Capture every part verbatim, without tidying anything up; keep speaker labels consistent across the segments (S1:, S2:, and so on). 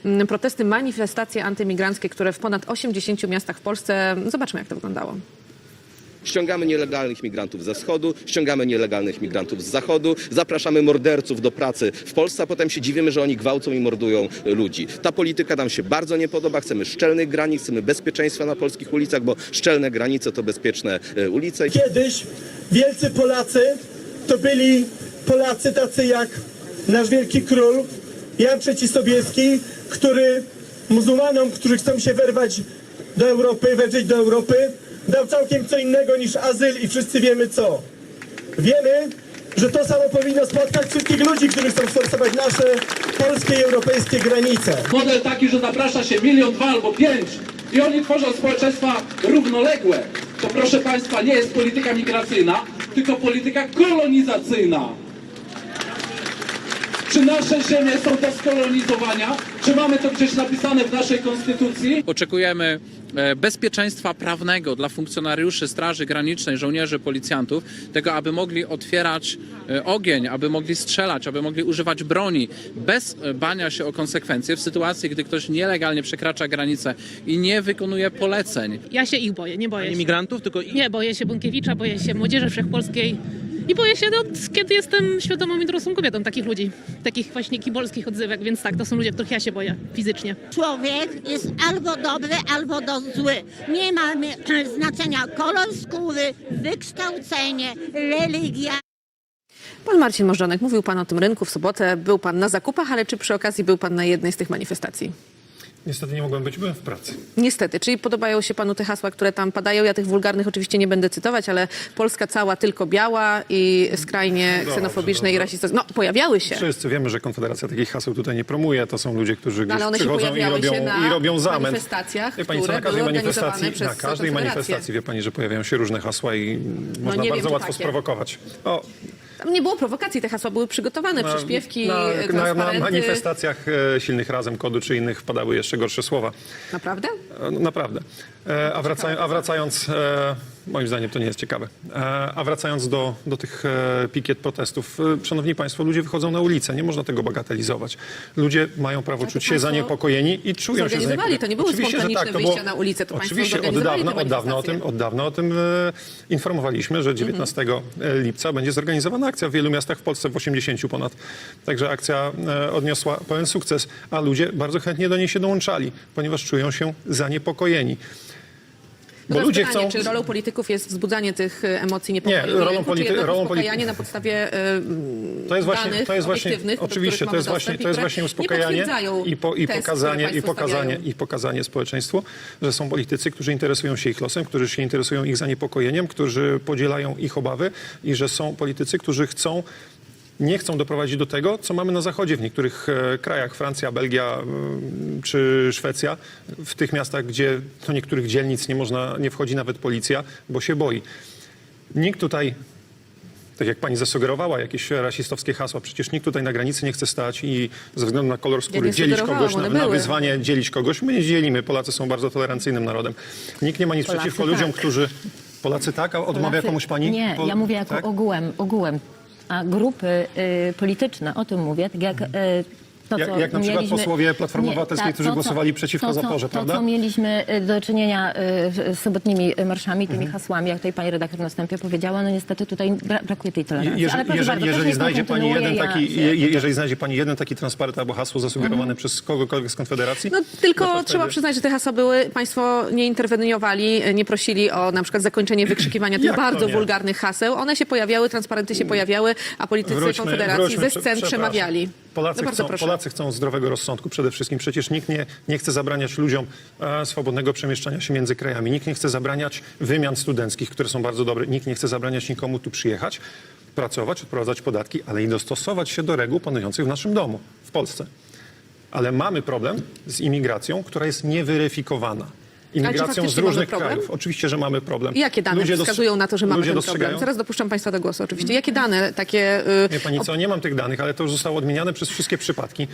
S1: protesty, manifestacje antymigranckie, które w ponad osiemdziesięciu miastach w Polsce. Zobaczmy, jak to wyglądało.
S2: Ściągamy nielegalnych migrantów ze wschodu, ściągamy nielegalnych migrantów z zachodu, zapraszamy morderców do pracy w Polsce, a potem się dziwimy, że oni gwałcą i mordują ludzi. Ta polityka nam się bardzo nie podoba, chcemy szczelnych granic, chcemy bezpieczeństwa na polskich ulicach, bo szczelne granice to bezpieczne ulice.
S3: Kiedyś wielcy Polacy to byli Polacy tacy jak nasz wielki król Jan trzeci Sobieski, który muzułmanom, którzy chcą się wyrwać do Europy, wedrzeć do Europy, dał całkiem co innego niż azyl i wszyscy wiemy co. Wiemy, że to samo powinno spotkać wszystkich ludzi, którzy chcą sforsować nasze polskie i europejskie granice.
S4: Model taki, że zaprasza się milion, dwa albo pięć i oni tworzą społeczeństwa równoległe. To proszę Państwa, nie jest polityka migracyjna, tylko polityka kolonizacyjna. Czy nasze ziemie są do skolonizowania? Czy mamy to gdzieś napisane w naszej konstytucji?
S5: Oczekujemy bezpieczeństwa prawnego dla funkcjonariuszy Straży Granicznej, żołnierzy, policjantów, tego, aby mogli otwierać ogień, aby mogli strzelać, aby mogli używać broni bez bania się o konsekwencje w sytuacji, gdy ktoś nielegalnie przekracza granicę i nie wykonuje poleceń.
S6: Ja się ich boję, nie boję się.
S7: Imigrantów, tylko ich?
S6: Nie, boję się Bąkiewicza, boję się Młodzieży Wszechpolskiej i boję się, no, kiedy jestem świadomą i dorosłą kobietą, takich ludzi, takich właśnie kibolskich odzywek, więc tak, to są ludzie, których ja się boję fizycznie.
S8: Człowiek jest albo dobry, albo do zły. Nie ma znaczenia kolor skóry, wykształcenie, religia.
S1: Pan Marcin Możdżonek, mówił pan o tym rynku w sobotę, był pan na zakupach, ale czy przy okazji był pan na jednej z tych manifestacji?
S9: Niestety nie mogłem być, byłem w pracy.
S1: Niestety, czyli podobają się panu te hasła, które tam padają. Ja tych wulgarnych oczywiście nie będę cytować, ale Polska cała tylko biała i skrajnie
S9: Dobrze,
S1: ksenofobiczne
S9: dobrze.
S1: i rasistowskie. No, pojawiały się.
S9: Wszyscy wiemy, że Konfederacja takich haseł tutaj nie promuje. To są ludzie, którzy
S1: No,
S9: gdzieś
S1: ale one się
S9: przychodzą i
S1: pojawiały
S9: robią,
S1: się na
S9: i robią zamęt.
S1: manifestacjach,
S9: Wie pani, co,
S1: które
S9: na każdej
S1: były
S9: manifestacji,
S1: organizowane
S9: na
S1: przez
S9: każdej
S1: Konfederację.
S9: manifestacji, wie pani, że pojawiają się różne hasła i można
S1: nie wiem,
S9: bardzo
S1: czy
S9: łatwo
S1: takie.
S9: sprowokować. O,
S1: Tam nie było prowokacji, te hasła były przygotowane, przyśpiewki,
S9: na, na, na
S1: transparenty.
S9: manifestacjach e, silnych Razem, Kodu czy innych padały jeszcze gorsze słowa.
S1: Naprawdę?
S9: E, no, naprawdę. E, a, wraca, a wracając, e, moim zdaniem to nie jest ciekawe, e, a wracając do, do tych e, pikiet protestów, e, szanowni państwo, ludzie wychodzą na ulicę, nie można tego bagatelizować. Ludzie mają prawo
S1: Ale to
S9: czuć się
S1: państwo
S9: zaniepokojeni i czują się
S1: zorganizowali,
S9: zaniepokojeni.
S1: to nie były
S9: Oczywiście, że
S1: spontaniczne
S9: tak, to
S1: wyjścia
S9: było,
S1: na ulicę, to państwo
S9: oczywiście od
S1: zorganizowali
S9: dawna,
S1: te
S9: od dawna o tym,
S1: manifestacje.
S9: od dawna o tym e, informowaliśmy, że dziewiętnastego lipca będzie zorganizowana akcja w wielu miastach w Polsce, w osiemdziesięciu ponad. Także akcja e, odniosła pełen sukces, a ludzie bardzo chętnie do niej się dołączali, ponieważ czują się zaniepokojeni.
S1: No
S9: Bo
S1: teraz
S9: ludzie
S1: pytanie,
S9: chcą...
S1: czy rolą polityków jest wzbudzanie tych e, emocji niepokoju?
S9: Nie, rolą
S1: rynku,
S9: polity-
S1: czy jednak
S9: rolą
S1: uspokajanie
S9: polity-
S1: na podstawie y,
S9: To jest właśnie,
S1: danych
S9: to jest właśnie,
S1: obiektywnych, do
S9: oczywiście,
S1: których
S9: to jest
S1: mamy
S9: właśnie,
S1: dostęp
S9: to jest
S1: i
S9: właśnie
S1: które
S9: uspokajanie
S1: nie potwierdzają
S9: i, po, i,
S1: test,
S9: pokazanie,
S1: które
S9: i, pokazanie,
S1: stawiają.
S9: i pokazanie społeczeństwu, że są politycy, którzy interesują się ich losem, którzy się interesują ich zaniepokojeniem, którzy podzielają ich obawy i że są politycy, którzy chcą nie chcą doprowadzić do tego, co mamy na Zachodzie w niektórych e, krajach, Francja, Belgia e, czy Szwecja, w tych miastach, gdzie do niektórych dzielnic nie można, nie wchodzi nawet policja, bo się boi. Nikt tutaj, tak jak pani zasugerowała, jakieś rasistowskie hasła, przecież nikt tutaj na granicy nie chce stać i ze względu na kolor skóry
S1: nie
S9: dzielić
S1: sugerowałam,
S9: kogoś, na,
S1: one
S9: na
S1: były.
S9: wyzwanie dzielić kogoś. My nie dzielimy, Polacy są bardzo tolerancyjnym narodem. Nikt nie ma nic
S10: Polacy
S9: przeciwko
S10: tak.
S9: ludziom, którzy... Polacy tak, a odmawia
S10: Polacy-
S9: komuś pani?
S10: Nie,
S9: Po-
S10: ja mówię jako
S9: tak?
S10: ogółem, ogółem. A grupy y, polityczne, o tym mówię, tak jak y, to,
S9: Jak-
S10: co
S9: jak na przykład
S10: mieliśmy...
S9: posłowie Platformy Obywatelskiej, którzy
S10: to, co-
S9: głosowali przeciwko
S10: to, co-
S9: zaporze,
S10: to,
S9: prawda?
S10: To, co mieliśmy y, do czynienia y, z sobotnimi marszami, tymi hasłami, jak tutaj pani redaktor na wstępie powiedziała, no niestety tutaj bra brakuje tej tolerancji.
S9: Jeżeli,
S10: Ale proszę
S9: jeżeli,
S10: bardzo,
S9: jeżeli
S10: proszę,
S9: znajdzie
S10: niech pan
S9: pani
S10: kontynuuje,
S9: jeden
S10: ja
S9: taki,
S10: się-
S9: je, jeżeli znajdzie pani jeden taki transparent albo hasło zasugerowane przez kogokolwiek z Konfederacji...
S1: No tylko
S9: no to
S1: trzeba
S9: wtedy-
S1: przyznać, że te hasła były, państwo nie interweniowali, nie prosili o na przykład zakończenie wykrzykiwania tych
S9: Jak to
S1: bardzo
S9: nie?
S1: wulgarnych haseł. One się pojawiały, transparenty się pojawiały, a politycy
S9: Wróćmy-
S1: Konfederacji
S9: wróćmy,
S1: ze
S9: prze-
S1: scen
S9: przepraszam.
S1: przemawiali.
S9: Polacy,
S1: No bardzo
S9: chcą,
S1: proszę.
S9: Polacy chcą zdrowego rozsądku przede wszystkim. Przecież nikt nie, nie chce zabraniać ludziom e, swobodnego przemieszczania się między krajami. Nikt nie chce zabraniać wymian studenckich, które są bardzo dobre. Nikt nie chce zabraniać nikomu tu przyjechać, pracować, odprowadzać podatki, ale i dostosować się do reguł panujących w naszym domu, w Polsce. Ale mamy problem z imigracją, która jest nieweryfikowana. Imigracją z
S1: faktycznie
S9: różnych
S1: mamy problem?
S9: krajów. Oczywiście, że mamy problem.
S1: I jakie dane
S9: Ludzie dos-
S1: wskazują na to, że mamy
S9: ludzie
S1: ten
S9: dostrzegają?
S1: problem? Zaraz dopuszczam państwa do głosu oczywiście. Jakie dane takie... y,
S9: Wie pani co, nie mam tych danych, ale to już zostało odmieniane przez wszystkie przypadki.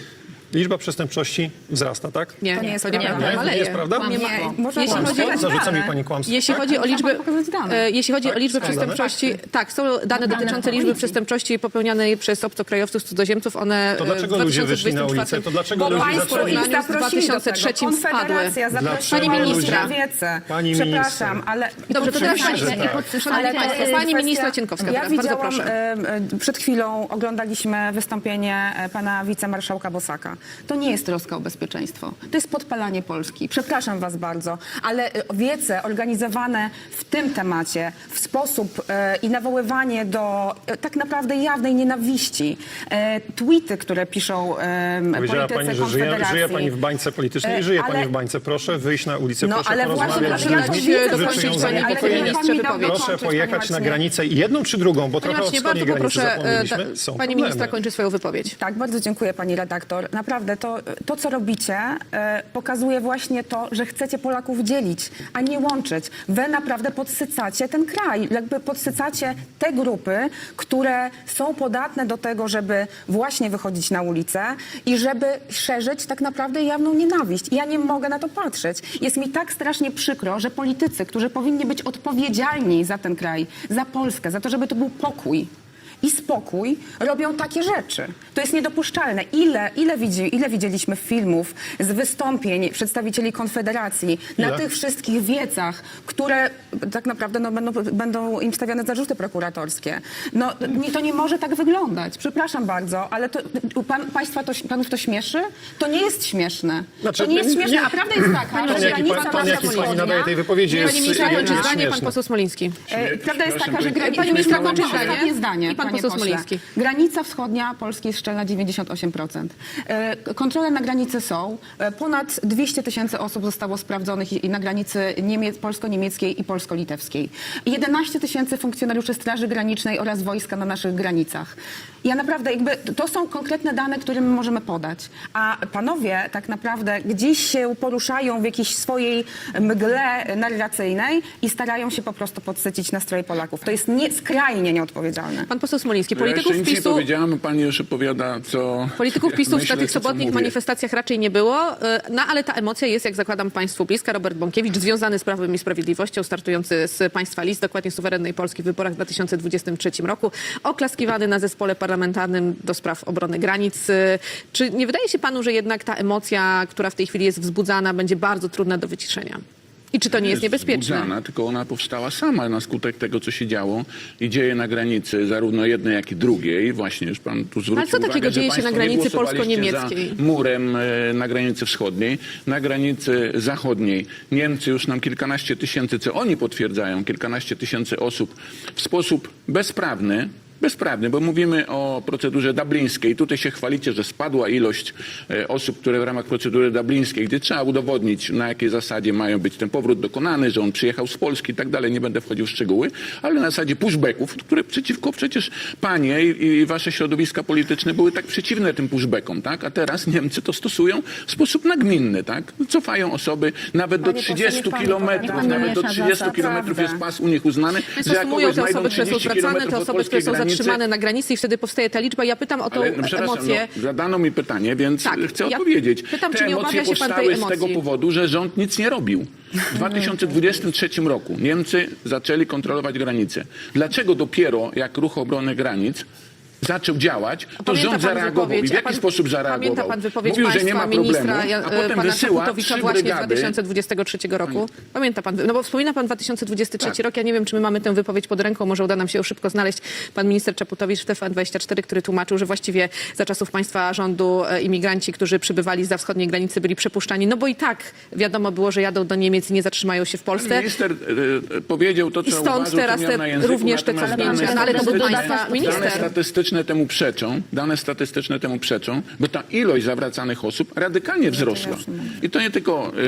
S9: liczba przestępczości wzrasta, tak?
S1: Nie,
S7: To nie jest
S1: to nieprawda.
S7: prawda.
S9: Nie?
S1: Maleje.
S9: Nie jest prawda?
S1: Nie ma-
S7: Nie, można
S1: Jeśli
S7: kłamstwo.
S1: chodzi o-
S9: Zarzuca mi
S7: dane.
S9: pani kłamstwo.
S1: Jeśli
S9: tak?
S1: chodzi o
S7: Muszę
S1: liczbę,
S7: panu pokazać dane.
S1: e, jeśli chodzi o liczbę
S9: Są dane?
S1: przestępczości, tak, są dane dotyczące liczby przestępczości popełnianej przez obcokrajowców, cudzoziemców. One
S9: To
S1: e,
S9: dlaczego
S1: w
S9: ludzie wyszli na
S1: dwa tysiące dwudziestym
S9: ulicę?
S1: czwartym
S9: To dlaczego
S7: Bo
S9: ludzie
S7: państwo
S9: zaczęli...
S7: ich
S1: w dwa
S7: zaprosili do
S1: tysiące trzecim
S7: tego. Konfederacja
S1: spadły.
S7: zaprosiła
S1: Pani ministra.
S7: wiece.
S9: Pani
S7: Przepraszam,
S9: minister.
S7: ale...
S1: Dobrze, to teraz pani,
S9: Oczywiście, że tak.
S1: Szanowni
S7: Ale to
S1: Państwo,
S7: jest
S1: pani
S7: kwestia-
S1: ministra Cienkowska,
S7: Ja
S1: teraz, bardzo
S7: widziałam,
S1: proszę.
S7: e, e, przed chwilą oglądaliśmy wystąpienie e, pana wicemarszałka Bosaka. To nie jest troska o bezpieczeństwo. To jest podpalanie Polski. Przepraszam was bardzo, ale e, wiece organizowane w tym temacie, w sposób e, i nawoływanie do e, tak naprawdę jawnej nienawiści, e, tweety, które piszą e,
S9: Powiedziała
S7: politycy
S9: pani, że żyje,
S7: Konfederacji.
S9: żyje pani w bańce politycznej.
S7: E,
S9: żyje
S7: ale-
S9: pani w bańce. Proszę wyjść na ulicę,
S7: No,
S9: proszę
S7: ale właśnie,
S9: porozmawiać z
S7: ale ja to
S9: ludźmi,
S7: widzę,
S9: którzy
S1: dokończyć
S9: czują
S1: pani,
S7: ale
S9: zaniepokojenie.
S1: ministrze,
S7: pan mi dał
S1: wypowiedź.
S9: Proszę
S7: dokończyć,
S9: pojechać
S7: panie
S9: na
S7: Marcinie.
S9: granicę jedną czy drugą, bo
S1: Panie
S9: trochę o
S1: Marcinie,
S9: wschodniej
S1: bardzo
S9: granicy
S1: poproszę, e,
S9: zapomnieliśmy.
S1: da-
S9: Są
S1: pani
S9: problemy.
S1: ministra kończy swoją wypowiedź.
S7: Tak, bardzo dziękuję pani redaktor. Naprawdę to, to co robicie, e, pokazuje właśnie to, że chcecie Polaków dzielić, a nie łączyć. Wy naprawdę podsycacie ten kraj, jakby podsycacie te grupy, które są podatne do tego, żeby właśnie wychodzić na ulicę i żeby szerzyć tak naprawdę jawną nienawiść. I ja nie mogę na to patrzeć. Jest mi tak strasznie przykro, że politycy, którzy powinni być odpowiedzialni za ten kraj, za Polskę, za to, żeby to był pokój i spokój, robią takie rzeczy. To jest niedopuszczalne. Ile, ile, widzi, ile widzieliśmy filmów z wystąpień przedstawicieli Konfederacji na
S9: Ile?
S7: tych wszystkich wiecach, które tak naprawdę no, będą, będą im stawiane zarzuty prokuratorskie. No, nie, to nie może tak wyglądać. Przepraszam bardzo, ale to, pan, państwa to, panów to śmieszy? To nie jest śmieszne.
S9: Znaczy,
S7: to nie jest śmieszne,
S9: nie-
S7: a prawda jest taka,
S9: Ton,
S7: że
S9: jaki,
S7: granica
S9: pan, ton,
S7: nasza
S9: jaki pani
S7: wschodnia...
S9: nadaje tej wypowiedzi jest,
S1: Pani ministra
S9: jest
S1: kończy zdanie, pan
S9: śmieszny.
S1: poseł Smoliński.
S7: E, Prawda jest taka, że granica...
S1: Pani ministra kończy
S7: Ostatnie
S1: zdanie.
S7: zdanie,
S1: I pan
S7: panie
S1: poseł
S7: pośle.
S1: Smoliński.
S7: Granica wschodnia Polski jest szczelna dziewięćdziesiąt osiem procent. E, Kontrole na granicy są. E, Ponad dwieście tysięcy osób zostało sprawdzonych i- i na granicy niemie- polsko-niemieckiej i polsko-litewskiej. jedenaście tysięcy funkcjonariuszy Straży Granicznej oraz wojska na naszych granicach. Ja naprawdę jakby, to są konkretne dane, które my możemy podać. A panowie tak naprawdę gdzieś się poruszają w jakiejś swojej mgle narracyjnej i starają się po prostu podsycić nastroje Polaków. To jest nie, skrajnie nieodpowiedzialne.
S1: Pan poseł Smoliński,
S11: Ja
S1: polityków
S11: jeszcze nic nie
S1: PiSu...
S11: powiedziałam, pani już opowiada, co...
S1: Polityków
S11: jak
S1: PiSu w
S11: myślę,
S1: tych
S11: co
S1: sobotnich
S11: mówię.
S1: manifestacjach raczej nie było, y, no ale ta emocja jest, jak zakładam, państwu bliska. Robert Bąkiewicz, związany z Prawem i Sprawiedliwością, startujący z państwa list, dokładnie suwerennej Polski w wyborach w dwa tysiące dwudziestym trzecim roku, oklaskiwany na zespole parlamentarnym do spraw obrony granic. Y, Czy nie wydaje się panu, że jednak ta emocja, która w tej chwili jest wzbudzana, będzie bardzo trudna do wyciszenia? I czy to nie jest niebezpieczne?
S11: Wzbudzana, tylko ona powstała sama na skutek tego, co się działo i dzieje na granicy, zarówno jednej, jak i drugiej. Właśnie już pan tu zwrócił
S1: Ale co
S11: uwagę,
S1: takiego
S11: że
S1: dzieje się
S11: państwo
S1: na
S11: nie
S1: granicy
S11: głosowaliście
S1: polsko-niemieckiej?
S11: za murem e, na granicy wschodniej. Na granicy zachodniej Niemcy już nam kilkanaście tysięcy, co oni potwierdzają, kilkanaście tysięcy osób w sposób bezprawny, bezprawny, bo mówimy o procedurze dublińskiej. Tutaj się chwalicie, że spadła ilość e, osób, które w ramach procedury dublińskiej, gdy trzeba udowodnić, na jakiej zasadzie mają być ten powrót dokonany, że on przyjechał z Polski i tak dalej, nie będę wchodził w szczegóły, ale na zasadzie pushbacków, które przeciwko przecież panie i, i wasze środowiska polityczne były tak przeciwne tym pushbackom, tak? A teraz Niemcy to stosują w sposób nagminny, tak? Cofają osoby nawet do
S7: Panie pośle,
S11: trzydziestu
S7: niech pan
S11: kilometrów,
S7: powie,
S11: nawet do
S7: miesza
S11: trzydziestu
S7: zasad,
S11: kilometrów jest
S7: prawda.
S11: pas u nich uznany,
S1: Państwo
S11: że jak
S1: sumują
S11: kogoś
S1: te
S11: znajdą
S1: osoby, które są
S11: trzydzieści
S1: zwracane,
S11: kilometrów
S1: te
S11: od
S1: osoby, które
S11: polskiej
S1: są
S11: granicy.
S1: zatrzymane na granicy i wtedy powstaje ta liczba. Ja pytam o tą
S11: Ale, no, przepraszam,
S1: emocję.
S11: no, zadano mi pytanie, więc
S1: Tak,
S11: chcę
S1: ja
S11: odpowiedzieć.
S1: pytam,
S11: Te
S1: czy nie
S11: emocje
S1: obawia się pan tej
S11: powstały z tego
S1: emocji?
S11: powodu, że rząd nic nie robił. W dwa tysiące dwudziestym trzecim roku Niemcy zaczęli kontrolować granice. Dlaczego dopiero jak Ruch Obrony Granic zaczął działać, to
S1: Pamięta
S11: rząd
S1: pan
S11: zareagował. I w
S1: wypowiedź- a
S11: jaki
S1: pan-
S11: sposób zareagował?
S1: Pamięta pan wypowiedź
S11: Mówił, że nie
S1: państwa
S11: ma problemu,
S1: ministra Ja-
S11: a potem
S1: pana
S11: wysyła
S1: Czaputowicza
S11: trzy
S1: właśnie z
S11: brygady.
S1: dwa tysiące dwudziestego trzeciego roku? Pamięta pan, no bo wspomina pan dwa tysiące dwudziesty trzeci
S11: Tak.
S1: rok, ja nie wiem, czy my mamy tę wypowiedź pod ręką, może uda nam się ją szybko znaleźć. Pan minister Czaputowicz w T V N dwadzieścia cztery, który tłumaczył, że właściwie za czasów państwa rządu e, imigranci, którzy przybywali za wschodniej granicy, byli przepuszczani, no bo i tak wiadomo było, że jadą do Niemiec i nie zatrzymają się w Polsce.
S11: Minister e, e, powiedział to, co
S1: I stąd
S11: uważał,
S1: teraz
S11: co miał
S1: te-
S11: na języku,
S1: również te
S11: natomiast
S1: cofnięcia.
S11: dane
S1: No ale to był
S11: statystyczne-
S1: państwa minister.
S11: Dane statystyczne temu przeczą, dane statystyczne temu przeczą, bo ta ilość zawracanych osób radykalnie wzrosła. I to nie tylko e,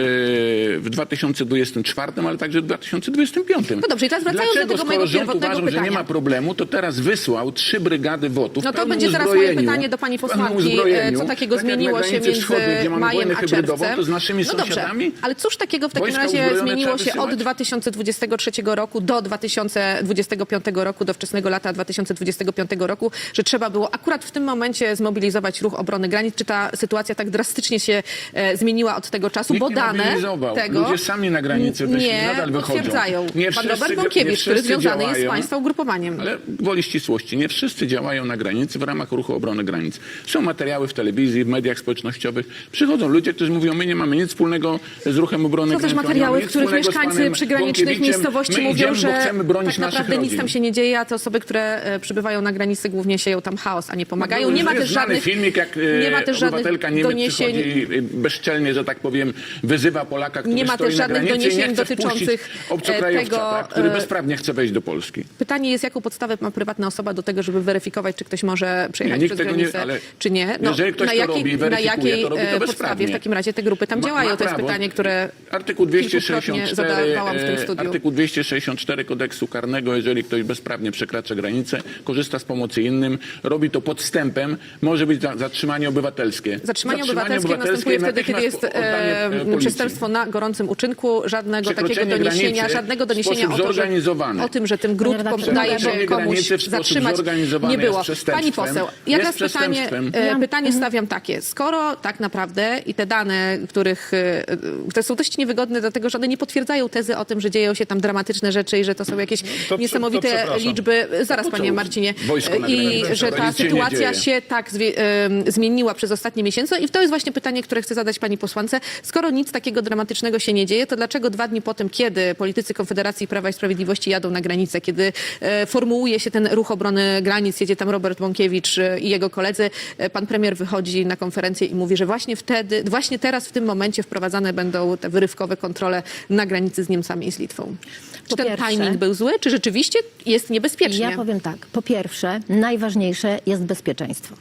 S11: w dwa tysiące dwudziestym czwartym, ale także w dwa tysiące dwudziestym piątym.
S1: No dobrze, i teraz wracając do
S11: Dlaczego,
S1: tego
S11: skoro
S1: mojego
S11: rząd
S1: pierwotnego
S11: uważał, że nie
S1: pytania?
S11: ma problemu, to teraz wysłał trzy brygady WOT-ów
S1: No
S11: w
S1: to
S11: pełnym
S1: będzie teraz moje
S11: uzbrojeniu,
S1: pytanie do pani
S11: w pełnym
S1: posłanki,
S11: uzbrojeniu,
S1: co takiego
S11: tak jak na
S1: zmieniło się
S11: granicy
S1: między
S11: wschodniej, gdzie mamy
S1: majem
S11: wojnę
S1: a
S11: hybrydową,
S1: czerwcem.
S11: to z naszymi
S1: No dobrze,
S11: sąsiadami?
S1: ale cóż takiego w takim
S11: Wojska
S1: razie
S11: uzbrojone
S1: zmieniło
S11: trzeba
S1: się od
S11: wysyłać?
S1: dwa tysiące dwudziestego trzeciego roku do dwa tysiące dwudziestego piątego roku, do wczesnego lata dwa tysiące dwudziestego piątego roku że trzeba było akurat w tym momencie zmobilizować ruch obrony granic? Czy ta sytuacja tak drastycznie się e, zmieniła od tego czasu?
S11: Nikt
S1: Bo
S11: nie
S1: dane
S11: mobilizował.
S1: tego
S11: Ludzie sami na granicy wyszli,
S1: nie
S11: nadal wychodzą.
S1: potwierdzają.
S11: Nie
S1: Pan
S11: wszyscy
S1: Robert
S11: dzia- nie
S1: Bąkiewicz, który
S11: wszyscy
S1: związany jest z
S11: działają.
S1: państwa ugrupowaniem.
S11: Ale gwoli ścisłości, nie wszyscy działają na granicy w ramach ruchu obrony granic. Są materiały w telewizji, w mediach społecznościowych. Przychodzą ludzie, którzy mówią, my nie mamy nic wspólnego z ruchem obrony
S1: Są też
S11: granic. nie
S1: materiały,
S11: mamy
S1: w
S11: nic
S1: których
S11: wspólnego z
S1: mieszkańcy
S11: panem
S1: przygranicznych
S11: Bąkiewiczem.
S1: miejscowości
S11: My
S1: mówią,
S11: idziemy,
S1: że
S11: bo chcemy bronić
S1: tak
S11: naszych
S1: naprawdę nic
S11: rodzin.
S1: tam się nie dzieje, a te osoby, które e, przybywają na granicy, głównie sieją tam chaos, a nie pomagają.
S11: No,
S1: Nie ma
S11: jest
S1: też
S11: znany
S1: żadnych
S11: filmik, jak
S1: nie ma
S11: e,
S1: też żadnych
S11: obywatelka Niemiec
S1: doniesień.
S11: przychodzi bezczelnie, że tak powiem, wyzywa Polaka, który
S1: Nie ma
S11: stoi
S1: też
S11: na
S1: żadnych
S11: granicy i nie
S1: doniesień
S11: chce wpuścić
S1: dotyczących, e,
S11: obcokrajowca,
S1: tego,
S11: tak, który
S1: e,
S11: bezprawnie chce wejść do Polski.
S1: Pytanie jest, jaką podstawę ma prywatna osoba do tego, żeby weryfikować, czy ktoś może przejechać
S11: nikt
S1: przez
S11: tego nie-
S1: granicę,
S11: ale
S1: czy nie.
S11: jeżeli ktoś
S1: na
S11: to
S1: jakiej,
S11: robi i
S1: na
S11: weryfikuje,
S1: jakiej
S11: to robi to
S1: e, podstawie
S11: bezprawnie.
S1: w takim razie te grupy tam
S11: Ma-
S1: działają?
S11: ma
S1: To jest
S11: prawo.
S1: pytanie, które
S11: Artykuł dwieście
S1: kilkukrotnie
S11: sześćdziesiąt cztery,
S1: zadawałam w tym
S11: e,
S1: studiu.
S11: artykuł dwieście sześćdziesiąt cztery kodeksu karnego, jeżeli ktoś bezprawnie przekracza granicę, korzysta z pomocy innym, robi to podstępem, może być za, zatrzymanie obywatelskie.
S1: Zatrzymanie obywatelskie następuje wtedy, kiedy jest
S11: natychmiast oddanie,
S1: e,
S11: e, policji.
S1: przestępstwo na gorącym uczynku, żadnego takiego
S11: Przekroczenie
S1: doniesienia,
S11: granicy
S1: żadnego
S11: w
S1: doniesienia
S11: sposób
S1: o, to, że,
S11: zorganizowany.
S1: o tym, że ten grób
S10: Panie redaktorze,
S1: daje się
S11: Przekroczenie
S1: komuś
S11: granicy w sposób
S1: zatrzymać,
S11: zorganizowany
S1: nie było.
S11: jest przestępstwem.
S1: Pani poseł, ja
S11: Jest
S1: teraz pytanie,
S11: przestępstwem.
S1: e, pytanie stawiam takie. Skoro tak naprawdę i te dane, których, e, które są dość niewygodne, dlatego że one nie potwierdzają tezy o tym, że dzieją się tam dramatyczne rzeczy i że to są jakieś
S9: to prze-
S1: niesamowite
S9: to przepraszam.
S1: liczby. Zaraz,
S11: po co
S1: panie Marcinie.
S11: wojsko na
S1: I
S11: granicy?
S1: że
S11: To
S1: ta
S11: nic się nie
S1: sytuacja
S11: dzieje.
S1: się tak zwie, em, zmieniła przez ostatnie miesiące i to jest właśnie pytanie, które chcę zadać pani posłance. Skoro nic takiego dramatycznego się nie dzieje, to dlaczego dwa dni po tym, kiedy politycy Konfederacji Prawa i Sprawiedliwości jadą na granicę, kiedy e, formułuje się ten ruch obrony granic, jedzie tam Robert Bąkiewicz e, i jego koledzy, e, pan premier wychodzi na konferencję i mówi, że właśnie wtedy, właśnie teraz w tym momencie wprowadzane będą te wyrywkowe kontrole na granicy z Niemcami i z Litwą. Czy
S10: Po
S1: ten
S10: pierwsze-
S1: timing był zły, czy rzeczywiście jest niebezpiecznie?
S10: Ja powiem tak. Po pierwsze, najważniejsze jest bezpieczeństwo.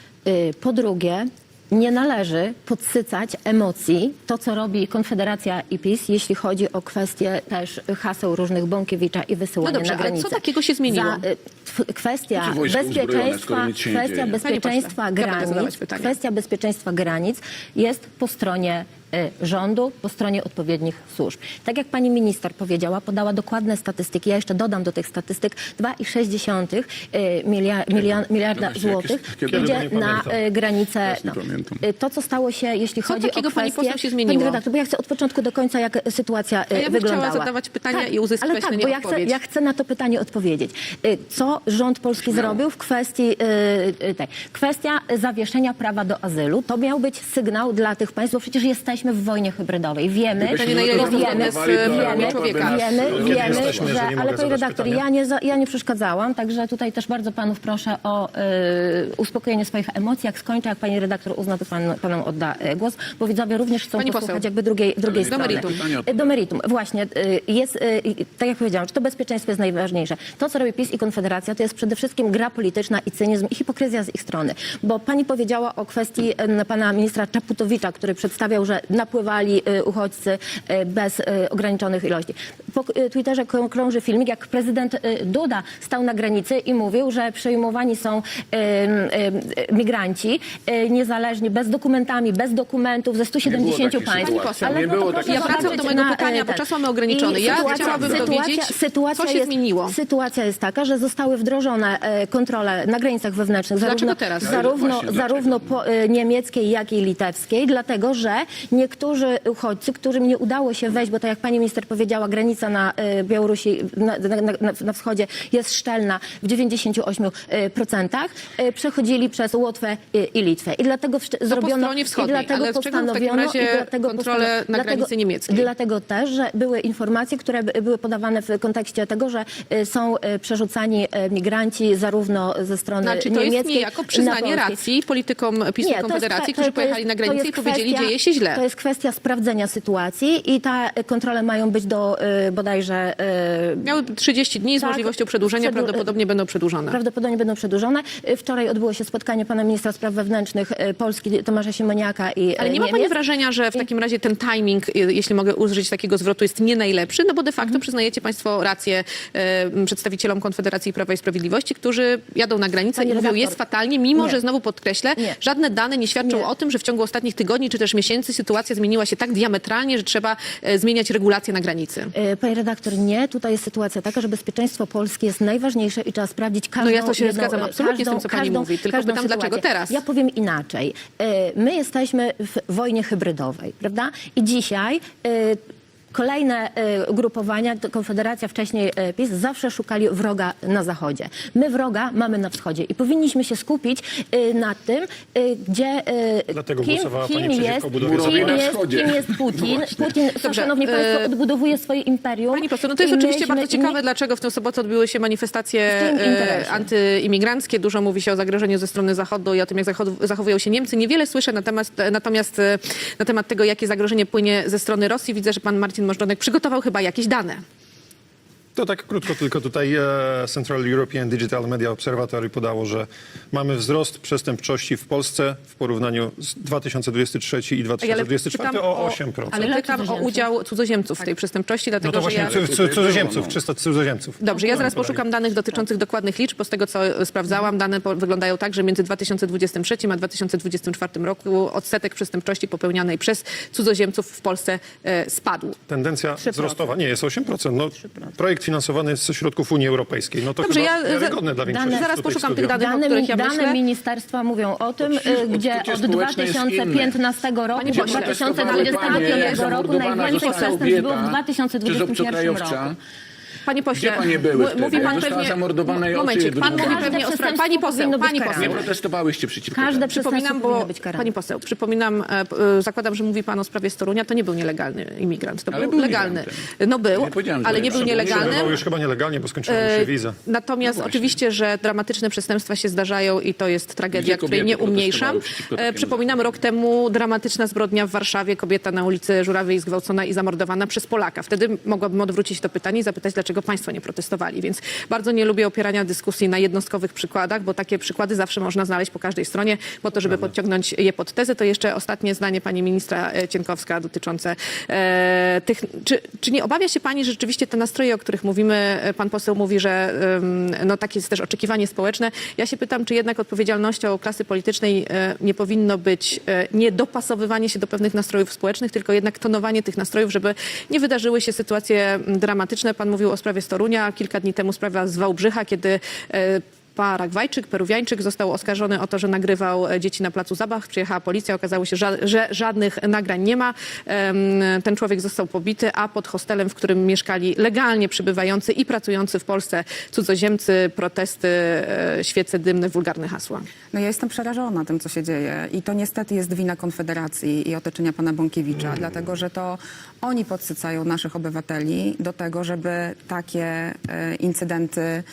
S10: Y, Po drugie, nie należy podsycać emocji, to co robi Konfederacja i PiS, jeśli chodzi o kwestię też haseł różnych Bąkiewicza i wysyłania
S1: No dobrze,
S10: na
S1: ale
S10: granicę.
S1: co takiego się zmieniło?
S10: Za, y, tw- kwestia
S11: Znaczy wojsko uzbrojone, skoro
S10: bezpieczeństwa,
S11: nic się nie
S10: kwestia
S11: dzieje?
S10: bezpieczeństwa
S1: Panie pośle, ja będę zadawać
S10: granic,
S1: pytania.
S10: kwestia bezpieczeństwa granic jest po stronie y, rządu, po stronie odpowiednich służb. Tak jak pani minister powiedziała, podała dokładne statystyki, ja jeszcze dodam do tych statystyk, dwa i sześć dziesiątych miliarda
S11: Kiedy się
S10: złotych
S11: jakieś- kiedy
S10: idzie
S9: nie
S10: na
S9: pamiętam.
S10: y, granicę.
S11: Teraz nie
S10: No.
S11: pamiętam.
S10: Y, To, co stało się, jeśli
S1: Co
S10: chodzi
S1: takiego,
S10: o kwestię...
S1: pani poseł, się zmieniło?
S10: Pani redaktor, bo ja chcę od początku do końca, jak sytuacja y,
S1: A ja bym
S10: wyglądała.
S1: chciała zadawać pytania
S10: tak,
S1: i uzyskać
S10: ale
S1: na
S10: tak,
S1: nie
S10: bo ja chcę,
S1: odpowiedź.
S10: ja chcę na to pytanie odpowiedzieć. Y, Co rząd polski zrobił w kwestii y, y, tej? Kwestia zawieszenia prawa do azylu. To miał być sygnał dla tych państw, bo przecież jesteśmy w wojnie hybrydowej. Wiemy,
S11: Gdybyśmy
S1: na ile
S11: to
S1: jest to
S11: zablokowali,
S1: zgodne z
S11: to
S1: prawami
S11: Europa by
S1: człowieka.
S11: nas-
S10: Wiemy,
S9: Kiedy
S10: wiemy,
S9: jesteśmy,
S10: że...
S9: że nie mogę
S10: Ale pani
S9: zadać
S10: redaktor,
S9: pytania?
S10: ja nie, za, ja nie przeszkadzałam, także tutaj też bardzo panów proszę o y, uspokojenie swoich emocji. Jak skończę, jak pani redaktor uzna, to pan, panom odda y, głos, bo widzowie również chcą
S1: Pani
S10: posłuchać
S1: poseł.
S10: jakby drugiej, drugiej
S11: Do
S10: strony.
S1: meritum.
S10: Y, Do meritum. Właśnie. y, Jest, y, y, tak jak powiedziałam, czy to bezpieczeństwo jest najważniejsze. To, co robi PiS i Konfederacja, to jest przede wszystkim gra polityczna i cynizm i hipokryzja z ich strony. Bo pani powiedziała o kwestii y, pana ministra Czaputowicza, który przedstawiał, że napływali y, uchodźcy y, bez y, ograniczonych ilości. Po y, Twitterze krą- krąży filmik, jak prezydent y, Duda stał na granicy i mówił, że przejmowani są y, y, migranci y, niezależnie, bez dokumentami, bez dokumentów ze stu siedemdziesięciu
S11: takiej
S10: państw.
S11: sytuacji.
S10: Ale
S11: Nie
S10: no to
S11: było
S10: proszę
S11: takiej
S1: Ja wracam
S10: zobaczyć
S1: do mojego
S10: na,
S1: pytania,
S10: y,
S1: bo
S10: ten.
S1: czas mamy ograniczony.
S10: I
S1: Ja
S10: sytuacja-
S1: chciałabym
S10: sytuacja-
S1: dowiedzieć,
S10: sytuacja
S1: co się
S10: jest,
S1: zmieniło.
S10: Sytuacja jest taka, że zostały wdrożone e, kontrole na granicach wewnętrznych,
S1: Dlaczego
S10: zarówno,
S1: teraz?
S10: zarówno,
S11: Właśnie,
S10: zarówno po, e, niemieckiej, jak i litewskiej, dlatego że niektórzy uchodźcy, którym nie udało się wejść, bo tak jak pani minister powiedziała, granica na e, Białorusi, na, na, na, na wschodzie jest szczelna w dziewięćdziesięciu ośmiu procentach, e, przechodzili przez Łotwę e, i Litwę. I dlatego wsz- zrobiono...
S1: stronie wschodniej,
S10: i dlatego
S1: ale z czego w takim
S10: postanowiono...
S1: razie
S10: i dlatego
S1: kontrole
S10: postano-
S1: na
S10: dlatego-
S1: granicy niemieckiej?
S10: Dlatego też, że były informacje, które by- były podawane w kontekście tego, że y, są y, przerzucani y, migranci zarówno ze strony
S1: Znaczy, to
S10: niemieckiej...
S1: jest niejako
S10: na
S1: przyznanie
S10: polskiej.
S1: racji politykom PiS i
S10: Nie, to jest
S1: Konfederacji,
S10: kwe-
S1: którzy
S10: to
S1: pojechali
S10: jest-
S1: na
S10: to
S1: granicę i
S10: jest
S1: powiedzieli,
S10: kwestia-
S1: dzieje się źle.
S10: To jest kwestia sprawdzenia sytuacji i te y, kontrole mają być do y, bodajże... y,
S1: Miały trzydzieści dni z
S10: Tak,
S1: możliwością przedłużenia,
S10: przedłu-
S1: prawdopodobnie będą przedłużone.
S10: Prawdopodobnie będą przedłużone. Y, Wczoraj odbyło się spotkanie pana ministra spraw wewnętrznych y, Polski, Tomasza Siemoniaka i
S1: Ale nie ma pani
S10: Niemiec.
S1: wrażenia, że w takim razie ten timing, y, jeśli mogę użyć takiego zwrotu, jest nie najlepszy? No bo de facto
S10: Mhm.
S1: przyznajecie państwo rację e, przedstawicielom Konfederacji Prawa i Sprawiedliwości, którzy jadą na granicę
S10: Pani
S1: i mówią,
S10: redaktor.
S1: jest fatalnie, mimo
S10: Nie.
S1: że znowu podkreślę,
S10: Nie.
S1: żadne dane nie świadczą
S10: Nie.
S1: o tym, że w ciągu ostatnich tygodni czy też miesięcy sytuacja sytuacja zmieniła się tak diametralnie, że trzeba e, zmieniać regulacje na granicy?
S10: E, Pani redaktor, nie. Tutaj jest sytuacja taka, że bezpieczeństwo Polski jest najważniejsze i trzeba sprawdzić każdą...
S1: No ja to się
S10: jedną,
S1: zgadzam absolutnie z tym,
S10: każdą-
S1: co pani
S10: każdą-
S1: mówi, tylko
S10: każdą
S1: pytam, dlaczego
S10: sytuację.
S1: teraz?
S10: Ja powiem inaczej. E, My jesteśmy w wojnie hybrydowej, prawda? I dzisiaj... e, Kolejne e, ugrupowania, to Konfederacja, wcześniej e, PiS, zawsze szukali wroga na zachodzie. My wroga mamy na wschodzie i powinniśmy się skupić e, na tym, e, gdzie e,
S9: Dlatego
S10: kim,
S9: głosowała
S10: kim,
S9: pani przeciwko
S10: jest,
S9: budowie
S10: kim,
S11: zachodniej.
S10: jest,
S11: wschodzie.
S10: kim jest Putin. Putin,
S1: Dobrze,
S10: szanowni
S1: e,
S10: państwo, odbudowuje swoje imperium.
S1: Pani poseł, no to jest
S10: i
S1: oczywiście
S10: myśmy-
S1: bardzo
S10: i my-
S1: ciekawe, dlaczego w tę sobotę odbyły się manifestacje
S10: W tym
S1: e,
S10: interesie.
S1: antyimigranckie. Dużo mówi się o zagrożeniu ze strony Zachodu i o tym, jak zachodu- zachowują się Niemcy. Niewiele słyszę na temat, natomiast e, na temat tego, jakie zagrożenie płynie ze strony Rosji. Widzę, że pan Marcin Możdżonek przygotował chyba jakieś dane.
S9: To tak krótko, tylko tutaj e, Central European Digital Media Observatory podało, że mamy wzrost przestępczości w Polsce w porównaniu z dwa tysiące dwudziestym trzecim i dwa tysiące dwudziestym czwartym
S1: pytam
S9: o osiem procent.
S1: Ale
S10: Ile
S1: pytam o
S10: cudzoziemców?
S1: udział cudzoziemców w tej przestępczości,
S9: No
S1: dlatego
S9: to
S1: że
S9: właśnie
S1: ja...
S9: cu- cu- cudzoziemców, trzysta cudzoziemców.
S1: Dobrze, ja zaraz poszukam danych dotyczących dokładnych liczb, bo z tego, co e, sprawdzałam, dane po, wyglądają tak, że między dwa tysiące dwudziestym trzecim a dwa tysiące dwudziestym czwartym roku odsetek przestępczości popełnianej przez cudzoziemców w Polsce e, spadł.
S9: Tendencja
S10: trzy procent.
S9: wzrostowa nie jest osiem procent. No, projekt finansowany jest ze środków Unii Europejskiej. No to
S1: Dobrze,
S9: chyba
S1: ja-
S9: wiarygodne dla większości
S1: zaraz
S9: tutaj
S1: poszukam
S9: studia.
S1: tych danych, o
S10: Dane,
S1: których ja
S10: dane
S1: myślę.
S10: ministerstwa mówią o tym,
S11: przecież
S10: y, gdzie
S11: odczucie
S10: od
S11: społeczne jest
S10: dwa tysiące piętnastego roku
S1: Pani
S10: do
S1: pośle,
S10: dwa tysiące dwudziestego
S11: Panie,
S10: piątego roku
S11: zamordowana
S10: najwięcej
S11: została
S10: przestępstw było w
S11: kobieta
S10: dwa tysiące
S11: przez
S10: dwudziestym pierwszym
S11: obcokrajowca.
S10: roku.
S1: Panie pośle,
S11: Gdzie panie były
S1: m-
S11: wtedy?
S1: mówi pan
S11: Została
S1: pewnie...
S11: zamordowana i
S1: Momencik,
S11: oczy
S1: pan mówi
S11: wydmuchane.
S1: pewnie o
S10: Każde
S1: sprawie... Pani poseł,
S10: przestępstwo
S1: pani
S10: powinno być
S1: poseł.
S11: Nie protestowałyście przeciwko
S10: Każde
S11: temu.
S10: przestępstwo
S1: Przypominam,
S10: powinno
S1: bo
S10: być karane.
S1: pani poseł, przypominam, e, p- e, zakładam, że mówi pan o sprawie Storunia, to nie był nielegalny imigrant, to
S11: Ale
S1: był
S11: był
S1: legalny.
S11: migrantem.
S1: No był,
S11: Nie powiedziałem, że
S1: ale
S11: nie.
S1: nie był
S11: Przebywał
S1: nielegalny.
S9: Przebywał już chyba nielegalnie, bo skończyła mu się
S1: E,
S9: wiza.
S1: Natomiast
S11: No właśnie.
S1: oczywiście, że dramatyczne przestępstwa się zdarzają i to jest tragedia,
S11: Gdzie
S1: której
S11: kobiety
S1: nie umniejszam.
S11: protestowały przeciwko
S1: E,
S11: takiemu
S1: Przypominam, rok temu dramatyczna zbrodnia w Warszawie. Kobieta na ulicy Żurawiej zgwałcona i zamordowana przez Polaka. Wtedy mogłabym odwrócić to pytanie i zapytać, dlaczego państwo nie protestowali. Więc bardzo nie lubię opierania dyskusji na jednostkowych przykładach, bo takie przykłady zawsze można znaleźć po każdej stronie, po to, żeby podciągnąć je pod tezę. To jeszcze ostatnie zdanie pani ministra e, Cienkowska dotyczące e, tych... Czy, czy nie obawia się pani, że rzeczywiście te nastroje, o których mówimy, e, pan poseł mówi, że em, no, takie jest też oczekiwanie społeczne. Ja się pytam, czy jednak odpowiedzialnością klasy politycznej e, nie powinno być e, nie dopasowywanie się do pewnych nastrojów społecznych, tylko jednak tonowanie tych nastrojów, żeby nie wydarzyły się sytuacje m, dramatyczne. Pan mówił o sprawie Storunia, kilka dni temu sprawa z Wałbrzycha, kiedy e, Paragwajczyk, Peruwiańczyk został oskarżony o to, że nagrywał e, dzieci na placu zabaw. Przyjechała policja, okazało się, że, że żadnych nagrań nie ma. Em, Ten człowiek został pobity, a pod hostelem, w którym mieszkali legalnie przybywający i pracujący w Polsce cudzoziemcy, protesty, e, świece dymne, wulgarne hasła.
S7: No ja jestem przerażona tym, co się dzieje i to niestety jest wina Konfederacji i otoczenia pana Bąkiewicza, dlatego że to oni podsycają naszych obywateli do tego, żeby takie e, incydenty e,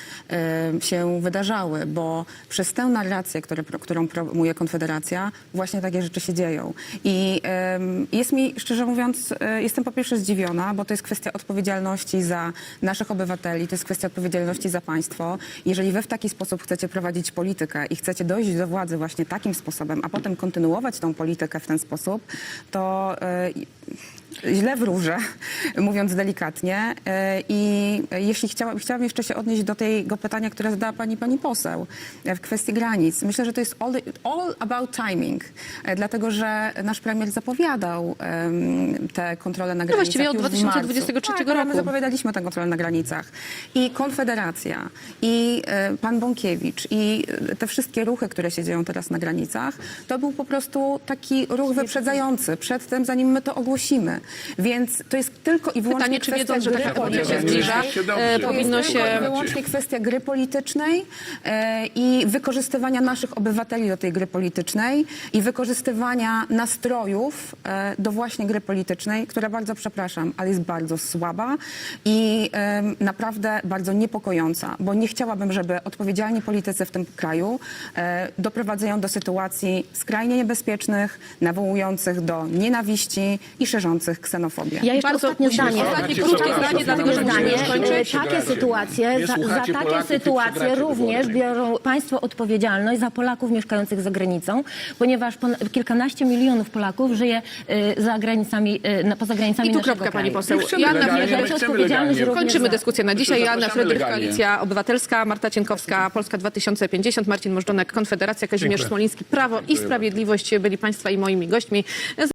S7: się wydarzały, bo przez tę narrację, które, którą promuje Konfederacja, właśnie takie rzeczy się dzieją. I e, jest mi, szczerze mówiąc, e, jestem po pierwsze zdziwiona, bo to jest kwestia odpowiedzialności za naszych obywateli, to jest kwestia odpowiedzialności za państwo. Jeżeli wy w taki sposób chcecie prowadzić politykę i chcecie dojść do władzy właśnie takim sposobem, a potem kontynuować tą politykę w ten sposób, to e, źle wróżę, mówiąc delikatnie. E, I jeśli chciała, chciałam jeszcze się odnieść do tego pytania, które zadała pani pani poseł e, w kwestii granic. Myślę, że to jest all, all about timing, e, dlatego że nasz premier zapowiadał em, te kontrole na granicach.
S1: właściwie od
S7: już w
S1: dwa tysiące
S7: marcu.
S1: dwudziestego trzeciego
S7: Tak, ale
S1: roku.
S7: my zapowiadaliśmy tę kontrolę na granicach. I Konfederacja, i e, pan Bąkiewicz, i e, te wszystkie ruchy, które się dzieją teraz na granicach, to był po prostu taki ruch wyprzedzający przed tym, zanim my to ogłosimy. Więc to jest tylko i wyłącznie
S1: Pytanie, czy
S7: kwestia
S1: wiedząc, że
S7: gry
S1: taka pogoda się
S7: politycznej.
S1: zbliża,
S11: Się dobrze.
S1: e,
S11: To
S1: powinno
S7: To jest
S1: się...
S7: tylko i wyłącznie kwestia gry politycznej e, i wykorzystywania naszych obywateli do tej gry politycznej i wykorzystywania nastrojów e, do właśnie gry politycznej, która, bardzo przepraszam, ale jest bardzo słaba i e, naprawdę bardzo niepokojąca, bo nie chciałabym, żeby odpowiedzialni politycy w tym kraju e, doprowadzają do sytuacji skrajnie niebezpiecznych, nawołujących do nienawiści i szerzących ksenofobię.
S10: Ja jeszcze
S1: Bardzo
S10: ostatnie
S1: musimy
S10: zdanie.
S1: ostatnie
S11: Słuchajcie,
S1: krótkie
S11: słuchajcie,
S1: zdanie, dlatego że musimy
S10: zdanie.
S1: już kończyć.
S10: E, Takie sytuacje,
S11: Nie
S10: za, za
S11: słuchacie
S10: takie
S11: Polaków i
S10: sytuacje
S11: przegracie
S10: również
S11: wybory.
S10: biorą państwo odpowiedzialność za Polaków mieszkających za granicą, ponieważ pon- kilkanaście milionów Polaków żyje e, za granicami, e, na, poza granicami
S1: I tu
S10: naszego
S1: kropka,
S10: kraju.
S1: pani poseł.
S11: My chcemy
S1: Joanna
S11: legalnie,
S1: Frydrych,
S11: my
S10: bierze
S11: chcemy
S10: odpowiedzialność
S11: legalnie.
S10: również
S1: Kończymy
S10: za-
S1: dyskusję na dzisiaj. Joanna
S11: Zapraszamy
S1: Frydrych,
S11: legalnie.
S1: Koalicja Obywatelska, Marta Cienkowska, Polska dwa tysiące pięćdziesiąt, Marcin Możdżonek, Konfederacja, Kazimierz
S9: Dziękuję.
S1: Smoliński, Prawo i Sprawiedliwość byli państwa i moimi gośćmi.